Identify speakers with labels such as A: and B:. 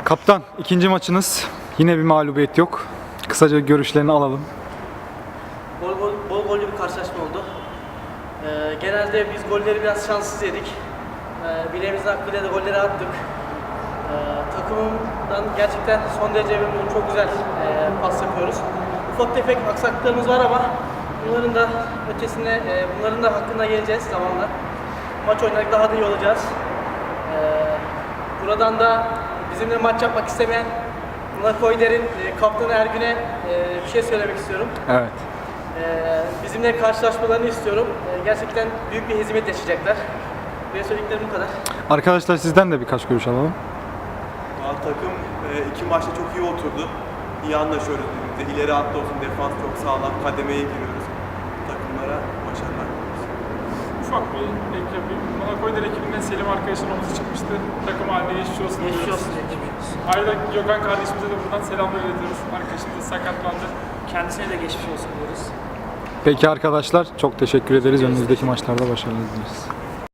A: Kaptan, ikinci maçınız. Yine bir mağlubiyet yok. Kısaca görüşlerini alalım.
B: Bol gollü bir karşılaşma oldu. Genelde biz golleri biraz şanssız yedik. Bileğimizin hakkıyla da golleri attık. Takımımdan gerçekten son derece memnunum. Çok güzel pas yapıyoruz. Ufak tefek aksaklıklarımız var ama bunların da ötesine, bunların da hakkında geleceğiz zamanla. Maç oynadık, daha da iyi olacağız. Buradan da bizimle maç yapmak istemeyen Nakoyder'in kaptanı Ergün'e bir şey söylemek istiyorum.
A: Evet.
B: Bizimle karşılaşmalarını istiyorum. Gerçekten büyük bir hizmet yaşayacaklar. Benim söylediklerim bu kadar.
A: Arkadaşlar sizden de birkaç görüş alalım.
C: Takım iki maçta çok iyi oturdu. İyi anlaşıyoruz birbirimize. İleri hatta olsun, defans çok sağlam. Kademeye giriyoruz. Takımlara başarılar diliyoruz.
D: Ufak bir ekip, Monaco'da ekibinden Selim arkadaşın omuzu çıkmıştı. Takım haline geçmiş olsun.
B: Geçmiş
D: diyoruz.
B: olsun. Geçmiş olsun.
D: Ayrıca Gökhan kardeşimize de buradan selamlar iletiyoruz. Arkadaşımız da sakatlandı.
B: Kendisine de geçmiş olsun diyoruz.
A: Peki arkadaşlar, çok teşekkür ederiz. Önümüzdeki maçlarda başarılar dileriz.